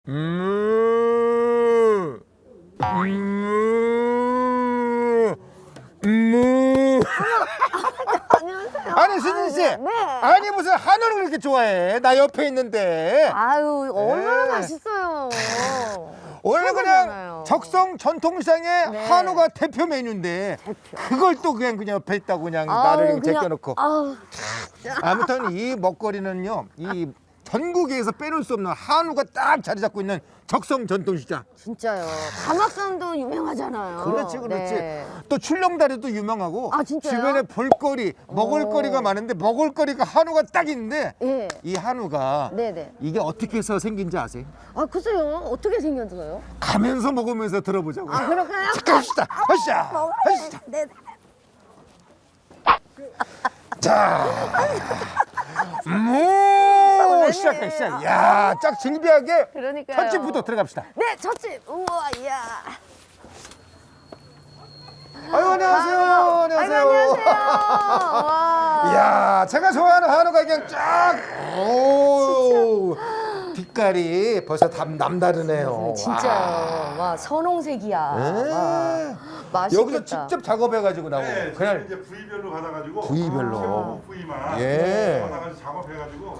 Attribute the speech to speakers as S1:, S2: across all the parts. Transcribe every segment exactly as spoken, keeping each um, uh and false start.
S1: 음. 음. 음.
S2: 안녕하세요.
S1: 아니 수진 씨,
S2: 아, 네. 네.
S1: 아니 무슨 한우를 그렇게 좋아해? 나 옆에 있는데.
S2: 아유 얼마나
S1: 네.
S2: 맛있어요.
S1: 원래
S2: 최고잖아요.
S1: 그냥 적성 전통시장의
S2: 네.
S1: 한우가 대표 메뉴인데
S2: 대표.
S1: 그걸 또 그냥 그냥 옆에 있다고 그냥
S2: 아유,
S1: 나를 그냥
S2: 그냥-
S1: 제껴놓고.
S2: 아우,
S1: 아무튼 이 먹거리는요, 이 전국에서 빼놓을 수 없는 한우가 딱 자리 잡고 있는 적성 전통시장.
S2: 진짜요. 가막산도 유명하잖아요.
S1: 그렇지, 그렇지.
S2: 네.
S1: 또 출렁다리도 유명하고
S2: 아, 진짜요?
S1: 주변에 볼거리, 먹을거리가
S2: 오.
S1: 많은데 먹을거리가 한우가 딱 있는데
S2: 예.
S1: 이 한우가
S2: 네네.
S1: 이게 어떻게 해서 생긴지 아세요?
S2: 아 글쎄요. 어떻게 생겼어요?
S1: 가면서 먹으면서 들어보자고요.
S2: 아 그럴까요?
S1: 갑시다. 하시다. 하시다.
S2: 네.
S1: 자, 무 시작해 시작. 야, 짝 질비하게
S2: 그러니까요.
S1: 첫 집부터 들어갑시다.
S2: 네, 첫집. 우와, 이야.
S1: 아유 안녕하세요. 안녕하세요.
S2: 아이고, 안녕하세요. 와.
S1: 이야, 제가 좋아하는 한우가 그냥 쫙. 오, 빛깔이 벌써 남, 남다르네요.
S2: 진짜요. 와, 선홍색이야. 와, 맛있겠다.
S1: 여기서 직접 작업해가지고 나오고
S3: 네,
S1: 그냥
S3: 저는 이제 부위별로 받아가지고
S1: 부위별로.
S3: 최고 부위만
S1: 예.
S3: 받아가지고 작업해가지고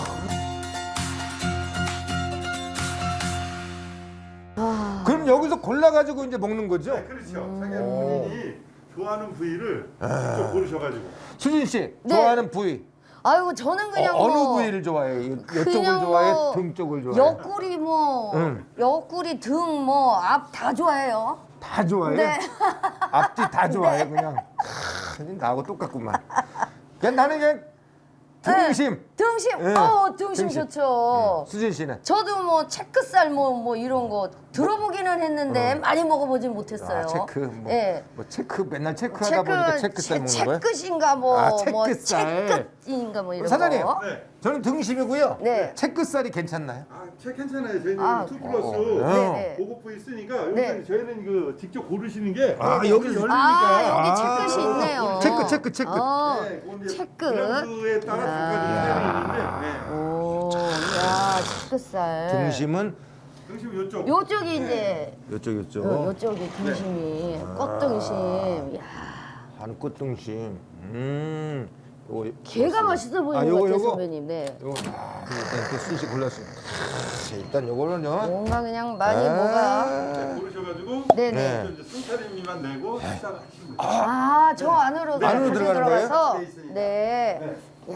S1: 그럼 여기서 골라가지고 이제 먹는 거죠?
S3: 네, 그렇죠. 자기 본인이 좋아하는 부위를 직접 고르셔가지고
S1: 수진 씨
S2: 네.
S1: 좋아하는 부위
S2: 아이고, 저는 그냥
S1: 어, 느
S2: 뭐
S1: 부위를 좋아해요? 이쪽을
S2: 그냥
S1: 좋아해?
S2: 뭐
S1: 등 쪽을 좋아해?
S2: 옆구리 뭐
S1: 응.
S2: 옆구리 등 뭐 앞 다 좋아해요.
S1: 다 좋아해?
S2: 네.
S1: 앞뒤 다 좋아해 그냥. 크, 나하고 똑같구만. 그냥 나는 그냥 등심.
S2: 등심.
S1: 예.
S2: 어, 등심,
S1: 등심.
S2: 좋죠.
S1: 수진 씨는?
S2: 저도 뭐 체크살 뭐 뭐 이런 거 들어보기는 했는데 많이 먹어보진 못했어요.
S1: 아, 체크 뭐,
S2: 예.
S1: 뭐 체크 맨날 체크하다 보니까 체크살 먹는 거예요?
S2: 체크인가 뭐,
S1: 아,
S2: 뭐
S1: 체크살.
S2: 체크인가 뭐 이런
S1: 사장님
S2: 거.
S3: 네.
S1: 저는 등심이고요.
S2: 네.
S1: 체크살이 괜찮나요?
S3: 아, 체 괜찮아요. 저희는
S2: 아,
S3: 투 플러스
S1: 어.
S2: 네네.
S3: 고급 부위 쓰니까
S2: 네.
S3: 여기서 저희는 그 직접 고르시는 게
S1: 아,
S3: 여기
S1: 여기
S3: 열리니까
S2: 아, 여기
S1: 아.
S2: 체크시 있네요.
S1: 체크, 체크, 체크.
S2: 어,
S3: 네, 그건 이제
S2: 체크.
S3: 브랜드에 따라 두 가지 있는데 네.
S2: 오, 야, 체크살.
S1: 등심은
S3: 등심 요쪽
S2: 요쪽이 이제
S1: 요쪽 요쪽.
S2: 요, 요쪽이 등심이 꽃등심. 야,
S1: 한꽃 등심. 음. 요거
S2: 개가 맛있어 보이는
S1: 아,
S2: 것
S1: 요거,
S2: 같아요,
S1: 요거?
S2: 선배님. 네.
S1: 요거 아, 일단 또 수시 골랐어요. 자, 일단 요거는요.
S2: 뭔가 그냥 많이
S1: 아.
S2: 뭐가.
S3: 네, 고르셔가지고
S2: 네네.
S1: 네.
S3: 이제 순차림비만 내고 식사를 하시면 돼요.
S2: 아, 저 안으로
S1: 네. 안으로
S2: 이렇게
S1: 들어가는 거예요?
S2: 들어가서.
S3: 네, 있으니까.
S2: 네.
S3: 네.
S2: 야,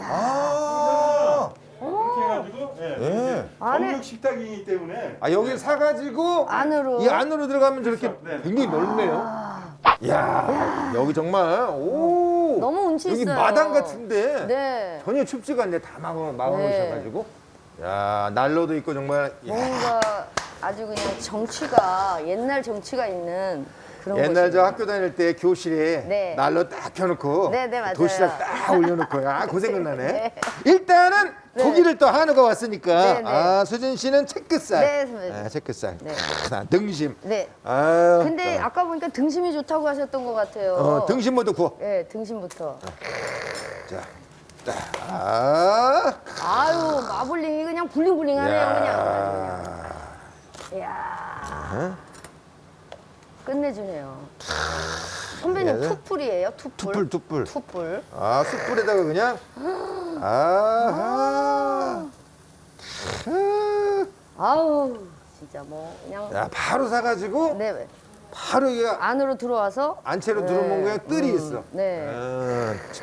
S1: 아.
S3: 이렇게 해가지고 예,
S1: 예.
S2: 안에-
S3: 정육 식탁이기 때문에
S1: 아, 여기 사가지고
S2: 안으로.
S1: 이 안으로 들어가면 저렇게
S3: 네.
S1: 굉장히 넓네요.
S2: 아,
S1: 야, 여기 정말 오.
S2: 너무 운치
S1: 여기
S2: 있어요.
S1: 마당 같은데
S2: 네.
S1: 전혀 춥지가 않네. 다 막아 막아
S2: 네.
S1: 놓으셔가지고. 야, 난로도 있고 정말. 야,
S2: 뭔가 아주 그냥 정취가 옛날 정취가 있는 그런
S1: 옛날
S2: 곳이네요.
S1: 저 학교 다닐 때 교실에
S2: 네.
S1: 난로 딱 켜놓고
S2: 네, 네, 맞아요.
S1: 도시락 딱 올려놓고 아, 그 생각나네.
S2: 네.
S1: 일단은
S2: 네.
S1: 고기를 또 한우가 왔으니까
S2: 네, 네.
S1: 아, 수진 씨는 체크살.
S2: 네, 선배님.
S1: 아, 체크살.
S2: 네.
S1: 아, 등심.
S2: 네.
S1: 아,
S2: 근데
S1: 자.
S2: 아까 보니까 등심이 좋다고 하셨던 것 같아요.
S1: 어, 등심부터 구워.
S2: 네, 등심부터.
S1: 자, 자, 아,
S2: 아유, 마블링이 그냥 블링블링하네요, 그냥.
S1: 야,
S2: 이야. 끝내주네요. 선배님
S1: 예.
S2: 투뿔이에요, 투뿔?
S1: 투뿔, 투뿔.
S2: 투뿔.
S1: 아, 숯불에다가 그냥. 아,
S2: 아우, 진짜 뭐 그냥.
S1: 야, 바로 사가지고
S2: 네,
S1: 바로 이게
S2: 안으로 들어와서.
S1: 안채로
S2: 네.
S1: 들어온 거에 뜰이
S2: 음,
S1: 있어.
S2: 네.
S1: 아, 참.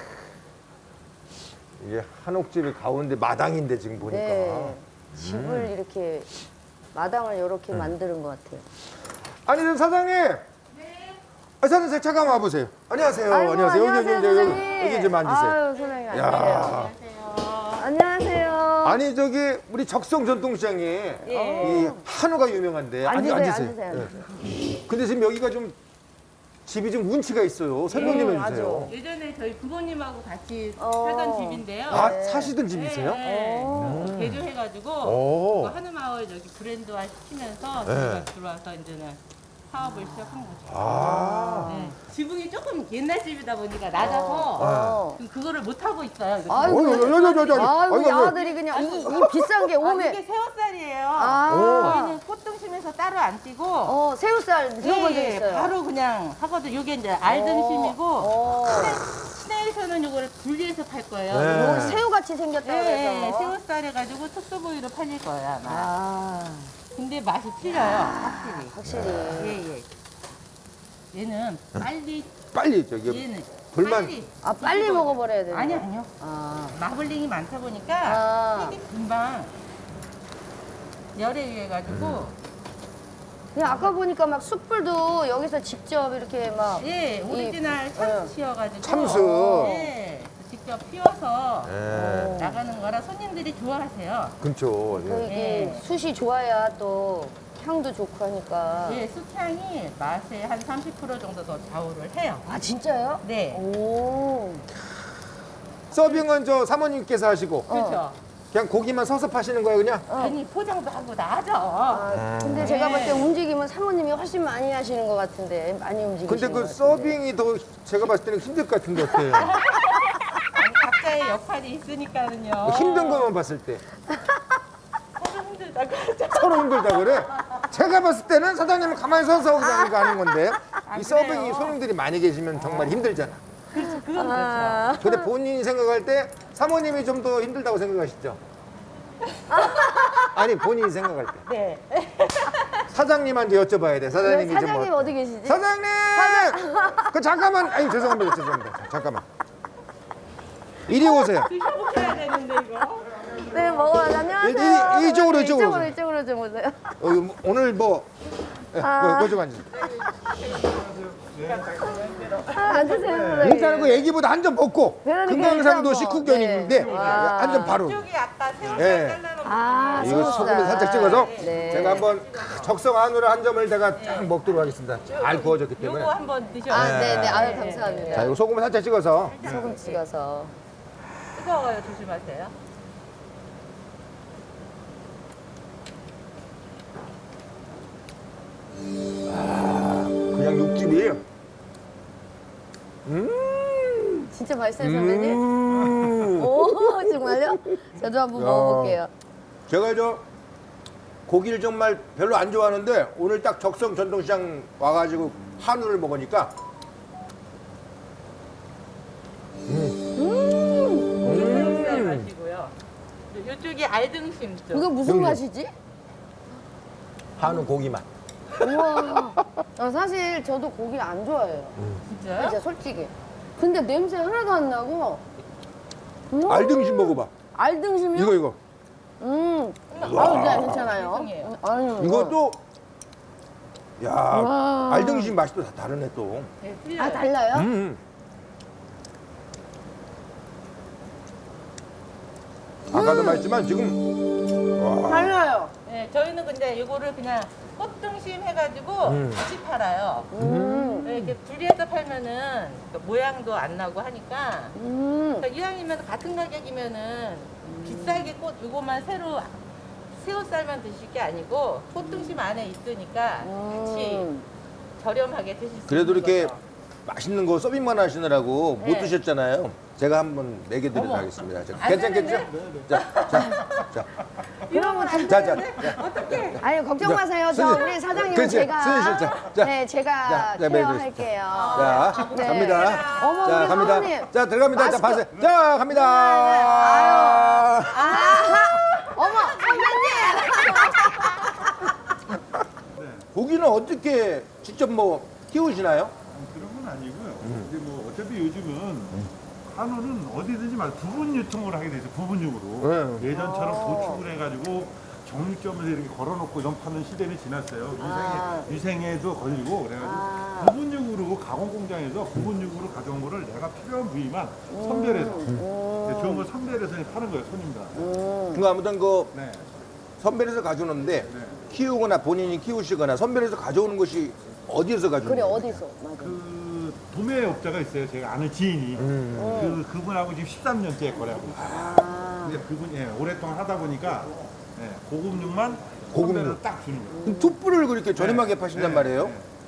S1: 이게 한옥집이 가운데 마당인데 지금 보니까.
S2: 네. 집을
S1: 음.
S2: 이렇게 마당을 이렇게 만드는 것 같아요.
S1: 아니, 저 사장님. 네. 아, 사장님 잠깐 와보세요. 안녕하세요.
S2: 아이고,
S1: 안녕하세요. 여기,
S2: 안녕하세요,
S1: 여기, 여기,
S2: 선생님.
S1: 여기 좀 앉으세요.
S2: 아유, 선생님
S1: 야.
S2: 안녕하세요. 안녕하세요.
S1: 아니 저기 우리 적성 전통시장에 이 한우가 유명한데 앉-
S2: 앉으세요,
S1: 앉으세요.
S2: 앉으세요.
S1: 예. 근데 지금 여기가 좀 집이 좀 운치가 있어요. 설명 좀
S2: 음,
S1: 해주세요.
S4: 예전에 저희 부모님하고 같이
S2: 어.
S4: 살던 집인데요.
S1: 아
S2: 네.
S1: 사시던 집이세요?
S4: 네,
S2: 오.
S4: 네. 개조해가지고
S1: 오.
S4: 그 한우마을 여기 브랜드화 시키면서
S1: 네.
S4: 저희가 들어와서 이제는 사업을 시작한 거죠.
S1: 아.
S4: 네. 지붕이 조금 옛날 집이다 보니까 낮아서
S2: 어.
S4: 지금 그거를 못 하고 있어요. 이거.
S2: 아이고,
S1: 어이, 어이, 어이, 어이, 어이, 어이.
S2: 아이고,
S1: 어이,
S2: 이
S1: 어이.
S2: 아들이 그냥 이, 이 비싼 게
S4: 아,
S2: 오메.
S4: 이게 새우살이에요.
S2: 아,
S4: 저희는 꽃등심에서 따로 안 띄고
S2: 어, 새우살 들어본 적
S4: 예,
S2: 있어요.
S4: 바로 그냥 하거든요. 이게 이제 알등심이고
S2: 어.
S4: 시내에서는 이거를 분리해서 팔 거예요.
S1: 네.
S2: 어, 새우같이 생겼다
S4: 네,
S2: 그래서.
S4: 새우살 해가지고 특수부위로 팔릴 거예요 아마.
S2: 아,
S4: 근데 맛이 틀려요, 확실히.
S2: 확실히.
S4: 예, 예. 얘는 빨리,
S1: 빨리 저기
S4: 얘는
S1: 불만-
S4: 빨리.
S2: 아, 빨리 먹어버려야 되네.
S4: 아니요, 아니요.
S2: 아,
S4: 마블링이 많다 보니까
S2: 아.
S4: 되게 금방 열에 의해가지고
S2: 그냥 아까 보니까 막 숯불도 여기서 직접 이렇게 막.
S4: 예, 오리지널 참치여가지고
S1: 참수.
S4: 예, 직접 피워서
S1: 예.
S4: 나가는 거라 손님들이 좋아하세요.
S1: 그렇죠.
S2: 그
S1: 예.
S2: 이게
S4: 네.
S2: 숯이 좋아야 또 향도 좋고 하니까.
S4: 예, 숯향이 맛에 한 삼십 퍼센트 정도 더 좌우를 해요.
S2: 아, 진짜요?
S4: 네,
S2: 오.
S1: 서빙은 저 사모님께서 하시고
S4: 그렇죠.
S1: 그냥 고기만 서서 파시는 거예요, 그냥?
S4: 괜히 포장도 하고 나죠.
S2: 아, 근데 제가 볼 때
S4: 네.
S2: 움직임은 사모님이 훨씬 많이 하시는 것 같은데 많이 움직이시는
S1: 근데 그
S2: 것 같은데.
S1: 서빙이 더 제가 봤을 때는 힘들 것 같은데 어때요?
S4: 아니, 각자의 역할이 있으니까는요.
S1: 뭐 힘든 것만 봤을 때
S4: 서로 힘들다 그러죠.
S1: 서로 힘들다 그래? 제가 봤을 때는 사장님은 가만히 서서 그냥 이거 하는 건데
S4: 아,
S1: 이 서빙이
S4: 그래요?
S1: 손님들이 많이 계시면 정말 힘들잖아.
S4: 그건 그렇죠.
S2: 아,
S1: 근데 본인이 생각할 때 사모님이 좀 더 힘들다고 생각하시죠? 아니 본인이 생각할 때
S4: 네.
S1: 사장님한테 여쭤봐야 돼.
S2: 왜
S1: 사장님이 좀
S2: 사장님
S1: 뭐...
S2: 어디 계시지?
S1: 사장님! 그 잠깐만. 아니 죄송합니다. 죄송합니다. 잠깐만. 이리 오세요.
S4: 드셔보셔야 되는데 이거.
S2: 네, 먹어요. 안녕하세요.
S1: 이- 이- 이쪽으로, 이쪽으로
S2: 이쪽으로,
S1: 오세요.
S2: 이쪽으로 좀 오세요.
S1: 어, 뭐, 오늘 뭐 예,
S2: 아.
S1: 뭐, 좀 앉으세요.
S2: 아, 앉으세요, 선생님.
S1: 일단은 그 애기보다 한 점 먹고
S2: 그러니까
S1: 금강산도
S2: 일단 뭐,
S1: 식후견인데
S2: 네. 와.
S1: 한 점 바로
S4: 이쪽이 아까 새우살
S1: 예.
S4: 잘라놓은
S2: 아,
S1: 이거
S2: 소금살.
S1: 소금을 살짝 찍어서
S2: 네.
S1: 제가 한번 적성 안으로 한 점을 내가 딱 먹도록 하겠습니다. 잘 구워졌기 때문에.
S4: 요거 한번 드셔보세요.
S2: 아, 네, 네. 아유, 감사합니다.
S1: 자, 이거 소금을 살짝 찍어서
S2: 소금 찍어서.
S4: 뜨거워요. 조심하세요.
S1: 그냥 육즙이 음.
S2: 진짜 맛있어요, 선생님?
S1: 음.
S2: 오, 정말요? 저도 한번
S1: 야.
S2: 먹어볼게요.
S1: 제가 저 고기를 정말 별로 안 좋아하는데 오늘 딱 적성 전통시장 와가지고 한우를 먹으니까
S4: 새우살 맛이고요. 이쪽이 알등심 쪽.
S2: 이거 무슨
S1: 여기.
S2: 맛이지?
S1: 한우 고기 맛.
S2: 우와. 아, 사실 저도 고기 안 좋아해요.
S4: 진짜요?
S2: 진짜 솔직히. 근데 냄새 하나도 안 나고. 음,
S1: 알등심 먹어봐.
S2: 알등심이요?
S1: 이거 이거.
S2: 음. 아우, 네, 괜찮아요.
S4: 죄송해요.
S2: 음, 아유,
S1: 이것도 야
S2: 와.
S1: 알등심 맛이 또 다 다르네 또.
S4: 네, 틀려요.
S2: 아, 달라요?
S1: 음. 아까도 말했지만 지금 와.
S2: 달라요.
S4: 네, 저희는 근데 이거를 그냥 꽃등심 해가지고
S1: 음.
S4: 같이 팔아요.
S2: 음.
S4: 네, 이렇게 분리해서 팔면은 그 모양도 안 나고 하니까.
S2: 음.
S4: 그러니까 이왕이면 같은 가격이면은 비싸게 꽃 이거만 새로 새우살만 드실 게 아니고 꽃등심 안에 있으니까 같이
S2: 음.
S4: 저렴하게 드실 수
S1: 그래도
S4: 있는
S1: 이렇게
S4: 거죠.
S1: 맛있는 거 서빙만 하시느라고 못
S4: 네.
S1: 드셨잖아요. 제가 한번 먹여드리도록
S4: 어머.
S1: 하겠습니다. 자,
S4: 안
S1: 괜찮겠죠?
S4: 되는데?
S1: 자, 자, 자,
S2: 그러면 안
S1: 자, 자,
S2: 되는데?
S1: 자.
S4: 어떻게?
S2: 아유, 걱정
S1: 자,
S2: 마세요. 저
S1: 선생님.
S2: 우리 사장님은
S1: 그렇지,
S2: 제가.
S1: 선생님, 자, 자.
S2: 네, 제가
S1: 자, 자,
S2: 케어할게요.
S1: 자,
S2: 네.
S1: 갑니다.
S2: 어머,
S1: 자,
S2: 우리
S1: 갑니다.
S2: 사모님.
S1: 자, 들어갑니다. 자,
S2: 마스크.
S1: 파세요. 자, 갑니다.
S2: 아하! 어머, 선배님!
S1: 고기는 어떻게 직접 뭐 키우시나요?
S3: 그런 건 아니고요. 근데 뭐 어차피 요즘은 한우는 어디든지 말 부분 유통을 하게 되죠. 부분육으로.
S1: 네.
S3: 예전처럼 도축을 해가지고 정육점에서 이렇게 걸어놓고 이런 파는 시대는 지났어요. 유생에,
S2: 아.
S3: 유생에도 걸리고 그래가지고
S2: 아.
S3: 부분육으로 가공 공장에서 부분육으로 가져온 거를 내가 필요한 부위만 선별해서 네, 좋은 걸 선별해서 파는 거예요, 손님들한테.
S2: 음.
S1: 그 아무튼 그
S3: 네.
S1: 선별해서 가져오는데
S3: 네.
S1: 키우거나 본인이 키우시거나 선별해서 가져오는 것이 어디에서 가져오는
S2: 그래,
S1: 거예요?
S2: 어디서? 맞아.
S3: 그 도매업자가 있어요. 제가 아는 지인이.
S1: 음.
S3: 그 그분하고 지금 십삼 년째 거래하고 있어요.
S2: 아.
S3: 근데 그분이 예, 오랫동안 하다 보니까 예, 고급육만
S1: 고급육.
S3: 선별해서 딱 주는 거예요.
S1: 그럼 툭불을 그렇게 저렴하게
S3: 네.
S1: 파신단
S3: 네.
S1: 말이에요?
S3: 네.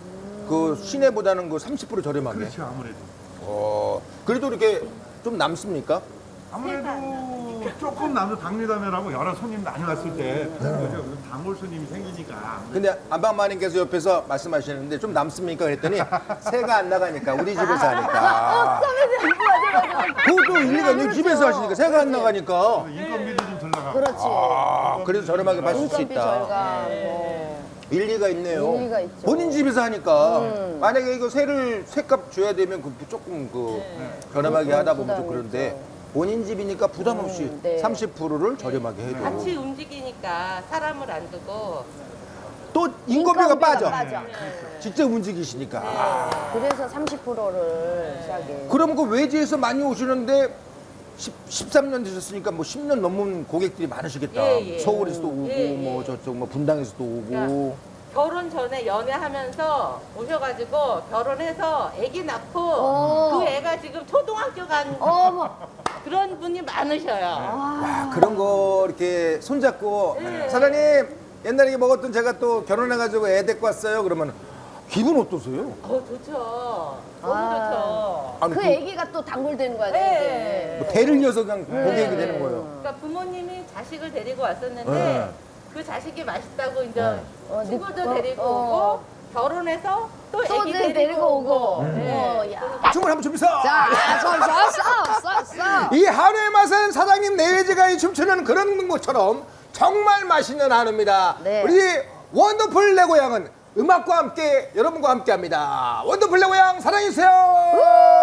S1: 그 시내보다는 그 삼십 퍼센트 저렴하게.
S3: 그렇죠, 아무래도.
S1: 어, 그래도 이렇게 좀 남습니까?
S3: 아무래도 조금 남도 당리담회라고 여러 손님 많이 왔을 때 그런 거죠. 단골 손님이 생기니까.
S1: 근데 안방마님께서 옆에서 말씀하시는데 좀 남습니까? 그랬더니 새가 안 나가니까 우리 집에서 하니까. 그것도 일리가 있는 집에서 하시니까 새가 안 나가니까.
S3: 인건비도 좀 덜 나가고.
S2: 그렇지.
S1: 아, 그래도 저렴하게 받을 수
S2: 인건비
S1: 있다.
S2: 절감. 뭐.
S1: 일리가 있네요.
S2: 일리가 있죠.
S1: 본인 집에서 하니까
S2: 음.
S1: 만약에 이거 새를 새값 줘야 되면 그 조금 그 저렴하게 하다 보면 좀
S2: 부담이
S1: 그런데
S2: 있죠.
S1: 본인 집이니까 부담 없이
S2: 음, 네.
S1: 삼십 퍼센트를 저렴하게 해도
S4: 같이 움직이니까 사람을 안 두고
S1: 또 인건비가 빠져.
S2: 빠져.
S1: 직접 움직이시니까. 아,
S2: 그래서 삼십 퍼센트를 싸게.
S1: 그럼 그 외지에서 많이 오시는데 십, 십삼 년 되셨으니까 뭐 십 년 넘은 고객들이 많으시겠다.
S4: 예, 예.
S1: 서울에서도 오고
S4: 예, 예.
S1: 뭐 저쪽 뭐 분당에서도 오고.
S4: 그러니까 결혼 전에 연애하면서 오셔가지고 결혼해서 아기 낳고
S2: 어.
S4: 그 애가 지금 초등학교 간
S2: 어머.
S4: 그런 분이 많으셔요.
S1: 와, 그런 거 이렇게 손잡고
S4: 네.
S1: 사장님 옛날에 먹었던 제가 또 결혼해가지고 애 데리고 왔어요. 그러면 기분 어떠세요?
S4: 어 좋죠. 너무
S2: 아.
S4: 좋죠.
S1: 아니,
S2: 그
S1: 그
S2: 애기가 또 단골되는 거야.
S4: 네.
S1: 뭐 대를 이어서 그냥 고객이
S4: 네.
S1: 되는 거예요.
S4: 그러니까 부모님이 자식을 데리고 왔었는데
S1: 네.
S4: 그 자식이 맛있다고 이제
S1: 네.
S2: 어,
S4: 친구도
S2: 어,
S4: 데리고
S2: 어.
S4: 오고 결혼해서 또
S2: 또
S4: 애기
S2: 내-
S4: 데리고,
S2: 데리고 오고.
S4: 네.
S2: 어, 야.
S1: 춤을 한번 춰보세요.
S2: 자, 써, 써, 써, 써.
S1: 이 한우의 맛은 사장님 내외지가이 춤추는 그런 것처럼 정말 맛있는 한우입니다.
S2: 네.
S1: 우리 원더풀 내 고향은 음악과 함께 여러분과 함께합니다. 원더풀 내 고향 사랑해주세요.